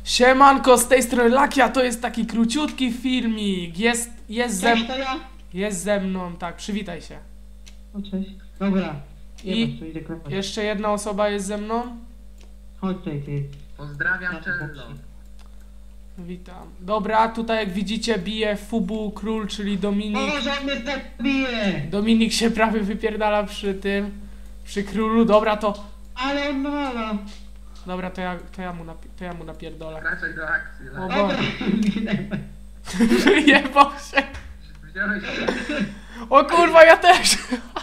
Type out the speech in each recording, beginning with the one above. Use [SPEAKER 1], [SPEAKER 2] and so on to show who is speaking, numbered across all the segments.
[SPEAKER 1] Siemanko, z tej strony Lakia, to jest taki króciutki filmik.
[SPEAKER 2] Cześć, to ja?
[SPEAKER 1] Jest ze mną, tak, przywitaj się.
[SPEAKER 2] O, cześć. Dobra.
[SPEAKER 1] I
[SPEAKER 2] to idę klepać.
[SPEAKER 1] jeszcze jedna osoba jest ze mną.
[SPEAKER 2] Chodź tutaj, ty.
[SPEAKER 3] Pozdrawiam Cello.
[SPEAKER 1] Witam. Dobra, tutaj jak widzicie bije Fubu Król, czyli Dominik.
[SPEAKER 2] O, że on mnie tak bije!
[SPEAKER 1] Dominik się prawie wypierdala przy królu. Dobra, to...
[SPEAKER 2] Ale on nawala.
[SPEAKER 1] Dobra, to ja mu napierdolę.
[SPEAKER 3] Raczej do akcji.
[SPEAKER 1] O
[SPEAKER 3] Lak.
[SPEAKER 2] Dobra,
[SPEAKER 1] Boże. Jebał się.
[SPEAKER 3] Wziąłeś
[SPEAKER 1] O kurwa, ja też.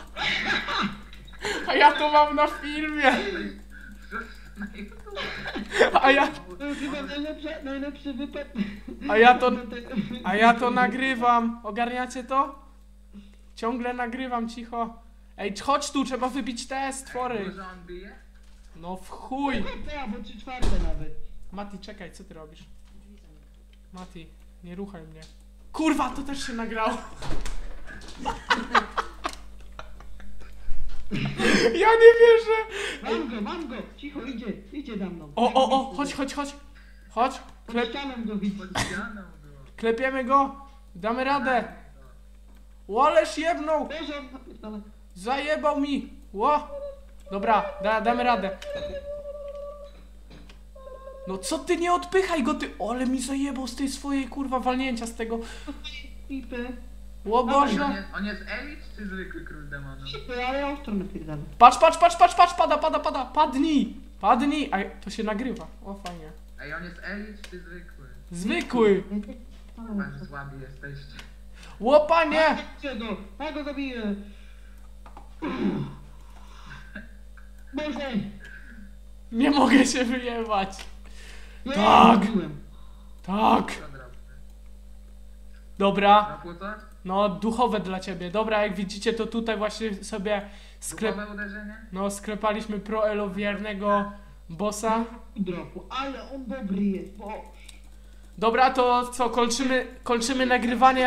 [SPEAKER 1] A ja to mam na filmie.
[SPEAKER 3] na YouTube.
[SPEAKER 1] A ja...
[SPEAKER 2] to jest chyba najlepszy wypad.
[SPEAKER 1] A ja to nagrywam. Ogarniacie to? Ciągle nagrywam, cicho. Ej, chodź tu, trzeba wybić te stwory.
[SPEAKER 3] Dużo on bije?
[SPEAKER 1] No w chuj.
[SPEAKER 2] Ja, bo 3/4 nawet.
[SPEAKER 1] Mati, czekaj, co ty robisz? Mati, nie ruchaj mnie. Kurwa, to też się nagrało. Ja nie wierzę.
[SPEAKER 2] Mam go! Cicho, idzie za mną.
[SPEAKER 1] O, chodź. Chodź,
[SPEAKER 2] Pod ścianą go widzę.
[SPEAKER 3] Pod ścianą było.
[SPEAKER 1] klepiemy go. Damy radę. Łoleż jebnął.
[SPEAKER 2] Boże, on napierdala.
[SPEAKER 1] Zajebał mi. Ło. Dobra, damy radę. No co ty, nie odpychaj go, ty. Ale mi zajebał z tej swojej kurwa walnięcia z tego.
[SPEAKER 2] Pipy.
[SPEAKER 1] Ło Boże.
[SPEAKER 3] On jest elit czy zwykły król demonów?
[SPEAKER 2] Pipy, ale ja ostro napierdala.
[SPEAKER 1] Patrz, pada. Padnij. A to się nagrywa. O, fajnie.
[SPEAKER 3] Ej, on jest elit czy zwykły?
[SPEAKER 1] Zwykły.
[SPEAKER 3] Chyba, że słabi jesteście.
[SPEAKER 1] Ło, panie.
[SPEAKER 2] Ja go zabiję. Boże.
[SPEAKER 1] Nie mogę się wyjebać.
[SPEAKER 2] Nie,
[SPEAKER 1] Tak.
[SPEAKER 2] zabiłem.
[SPEAKER 1] Tak.
[SPEAKER 3] Co drobny?
[SPEAKER 1] Dobra.
[SPEAKER 3] Na płuco?
[SPEAKER 1] No, duchowe dla ciebie. Dobra, jak widzicie, to tutaj właśnie sobie
[SPEAKER 3] Duchowe uderzenie?
[SPEAKER 1] sklepaliśmy proelowiernego bossa.
[SPEAKER 2] Dropu, ale on dobry jest, bo...
[SPEAKER 1] Dobra, to co, kończymy nagrywanie,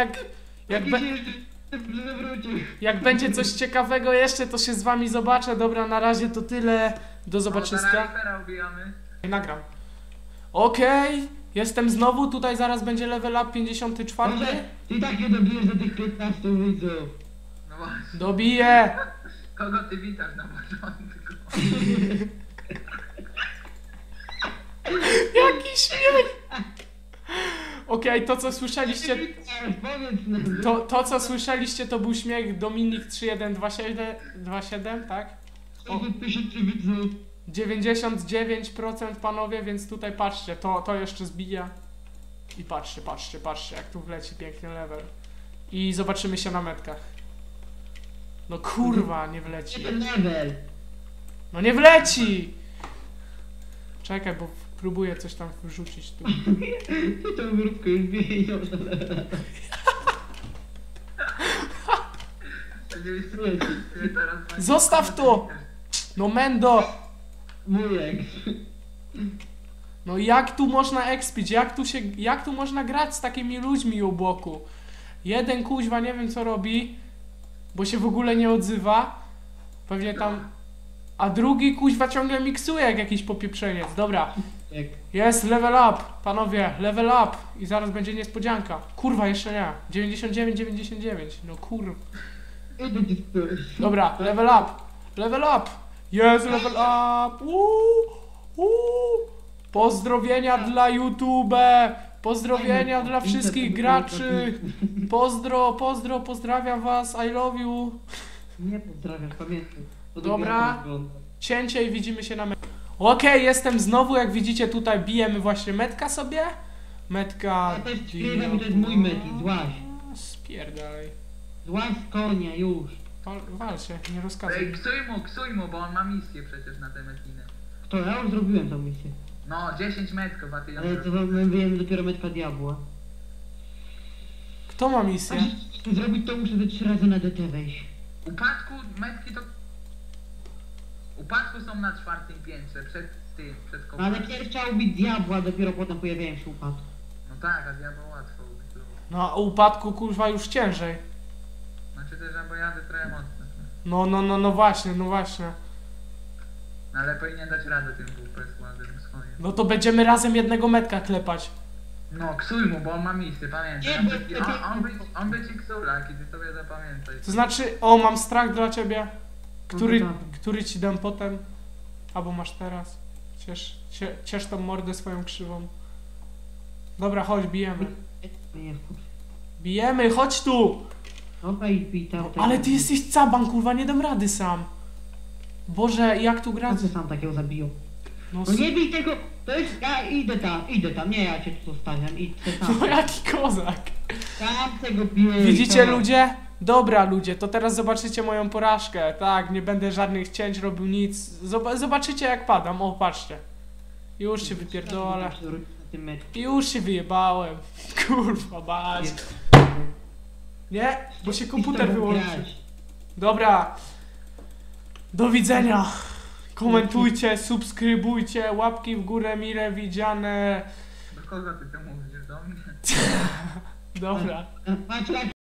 [SPEAKER 1] jak będzie coś ciekawego jeszcze, to się z wami zobaczę. Dobra, na razie to tyle. Do zobaczyska.
[SPEAKER 3] Ripera ubijamy.
[SPEAKER 1] Nagram. Okej, jestem znowu, tutaj zaraz będzie level up 54.
[SPEAKER 2] Boże, ty tak nie dobijesz do tych 15 widzów.
[SPEAKER 3] No właśnie.
[SPEAKER 1] Dobiję.
[SPEAKER 3] Kogo ty witasz na początku?
[SPEAKER 1] Jaki śmiech. Okej, to co słyszeliście,
[SPEAKER 2] Powiedz nam.
[SPEAKER 1] to co słyszeliście, to był śmiech Dominik 3127, tak?
[SPEAKER 2] 60 widzów.
[SPEAKER 1] 99% panowie, więc tutaj patrzcie, to jeszcze zbija. I patrzcie, jak tu wleci piękny level. I zobaczymy się na metkach. No kurwa, nie wleci.
[SPEAKER 2] Jeden level.
[SPEAKER 1] No nie wleci! Czekaj, bo próbuję coś tam wrzucić tu.
[SPEAKER 2] Ty tą grupkę już wyjdą.
[SPEAKER 1] Zostaw to! No Mendo!
[SPEAKER 2] Wujek.
[SPEAKER 1] No jak tu można expić? Jak tu można grać z takimi ludźmi u boku? Jeden kuźwa nie wiem co robi, bo się w ogóle nie odzywa. Pewnie tam... A drugi kuźwa ciągle miksuje jak jakiś popieprzeniec. Dobra.
[SPEAKER 2] Jak?
[SPEAKER 1] Jest level up, panowie, level up. I zaraz będzie niespodzianka. Kurwa, jeszcze nie. 99. No kurwa.
[SPEAKER 2] Idę ci spróć.
[SPEAKER 1] Dobra, level up. Level up. Jest level up. Pozdrowienia dla YouTube. Pozdrowienia dla wszystkich graczy. Pozdrawiam was. I love you.
[SPEAKER 2] Nie pozdrawiam, pamiętaj.
[SPEAKER 1] Dobra. Cięcie i widzimy się na metce. Okej, jestem znowu, jak widzicie tutaj bijemy właśnie metka sobie. Metka...
[SPEAKER 2] Ja też śpiewam, to jest mój metik, złaś.
[SPEAKER 1] Spierdalaj.
[SPEAKER 2] Złaś z konia, już.
[SPEAKER 1] Wal się, nie
[SPEAKER 3] Ej,
[SPEAKER 1] rozkazuj.
[SPEAKER 3] ksuj mu, bo on ma misję przecież na te metiny.
[SPEAKER 2] Kto? Ja już zrobiłem tą misję.
[SPEAKER 3] No, 10 metków, a ty ją
[SPEAKER 2] Ale to
[SPEAKER 3] zrobisz.
[SPEAKER 2] my wyjemy dopiero metka diabła.
[SPEAKER 1] Kto ma misję?
[SPEAKER 2] Żeby zrobić to muszę ze 3 razy na DT wejść.
[SPEAKER 3] Upadku metki to... Upadku są na 4. piętrze, przed
[SPEAKER 2] No
[SPEAKER 3] kołami.
[SPEAKER 2] ale pierw trzeba ubić diabła, dopiero potem pojawiają się upadki.
[SPEAKER 3] No tak, a diabeł łatwo ubić było.
[SPEAKER 1] No, a upadku kurwa już ciężej.
[SPEAKER 3] Znaczy też, bo jadę trochę mocno.
[SPEAKER 1] No właśnie.
[SPEAKER 3] No ale powinien dać radę tym WP składem swoim.
[SPEAKER 1] No to będziemy razem jednego metka klepać.
[SPEAKER 3] No, ksuj mu, bo on ma misję, pamiętaj.
[SPEAKER 2] Nie, bo-
[SPEAKER 3] On by ci ksula, kiedy sobie zapamiętaj.
[SPEAKER 1] To znaczy, o, mam strach dla ciebie. Który,
[SPEAKER 2] No to dawaj.
[SPEAKER 1] który ci dam potem? Albo masz teraz. Ciesz tą mordę swoją krzywą. Dobra, chodź, bijemy.
[SPEAKER 2] Nie wkurz.
[SPEAKER 1] Bijemy, chodź tu!
[SPEAKER 2] Dobra i bij tam.
[SPEAKER 1] Ale ty jesteś caban, kurwa, nie dam rady sam. Boże, jak tu grać?
[SPEAKER 2] Co sam takiego zabiją?
[SPEAKER 1] No,
[SPEAKER 2] No nie bij tego! To jest... Ja idę tam. Nie, ja cię tu zostawiam. Idź tam.
[SPEAKER 1] no jaki kozak.
[SPEAKER 2] Tam tego biję.
[SPEAKER 1] Widzicie ludzie? Dobra ludzie, to teraz zobaczycie moją porażkę. Tak, nie będę żadnych cięć robił, nic. Zobaczycie jak padam, o patrzcie. Już się wypierdolę. Już się wyjebałem. Kurwa bać. Nie, bo się komputer wyłączy. Dobra. Do widzenia. Komentujcie, subskrybujcie, łapki w górę mile widziane.
[SPEAKER 3] Do kogo ty to mówisz? Do mnie?
[SPEAKER 1] Dobra.
[SPEAKER 2] Patrz,